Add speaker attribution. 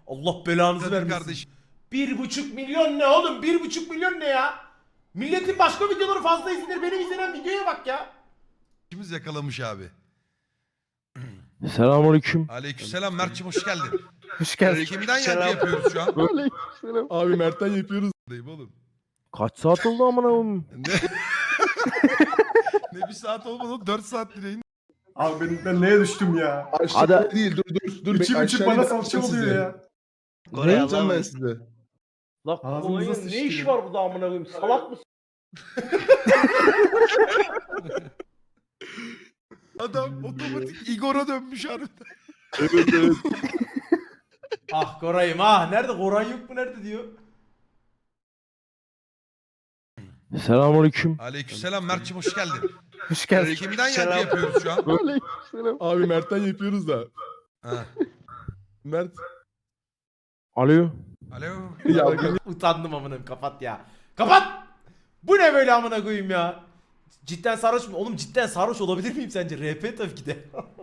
Speaker 1: Allah belanızı
Speaker 2: Hadi
Speaker 1: vermesin.
Speaker 2: kardeşim.
Speaker 1: 1,5 milyon ne oğlum? 1,5 milyon ne ya? Milletin başka videoları fazla izlenir. Benim izlenen videoya bak ya.
Speaker 2: İkimiz yakalamış abi.
Speaker 3: Selamünaleyküm.
Speaker 2: Aleykümselam Mert'cim hoş geldin.
Speaker 3: Hoş geldin.
Speaker 2: Kimden yankı yapıyoruz şu an?
Speaker 3: Aleykümselam.
Speaker 4: Abi Mert'ten yapıyoruz.
Speaker 2: Dayım oğlum.
Speaker 3: Kaç saat oldu amına koyayım?
Speaker 2: Ne? Ne bir saat olmadı 4 saat direğin.
Speaker 5: Abi ben neye düştüm ya?
Speaker 4: Aşağıda
Speaker 3: Hadi.
Speaker 4: değil dur.
Speaker 5: İçim içim
Speaker 4: Aşağıya
Speaker 5: bana
Speaker 4: bakacağım
Speaker 5: salça oluyor
Speaker 4: size.
Speaker 5: ya.
Speaker 4: Ne yapacağım ben size?
Speaker 3: La
Speaker 5: Ağzınıza
Speaker 3: Polonya'nın ne
Speaker 5: sıçtı
Speaker 3: işi
Speaker 5: ya.
Speaker 3: var burada amına koyayım? Salak mısın?
Speaker 2: Adam otomatik Igor'a dönmüş harbiden.
Speaker 4: Evet.
Speaker 1: Ah Koray'ım ah. Nerede? Koray yok mu? Nerede diyor.
Speaker 3: Selamünaleyküm.
Speaker 2: Aleykümselam Mert'cim hoş geldin.
Speaker 3: Hoş geldin.
Speaker 2: Kimden yankı yapıyoruz şu an?
Speaker 3: Aleykümselam.
Speaker 4: Abi Mert'ten yapıyoruz da.
Speaker 2: Ha.
Speaker 4: Mert.
Speaker 3: Alo.
Speaker 2: Alo.
Speaker 4: Ya
Speaker 1: Utandım amına koyayım. Kapat ya. Kapat! Bu ne böyle amına koyayım ya? Cidden sarhoş mu? Oğlum cidden sarhoş olabilir miyim sence? RP tabii ki de.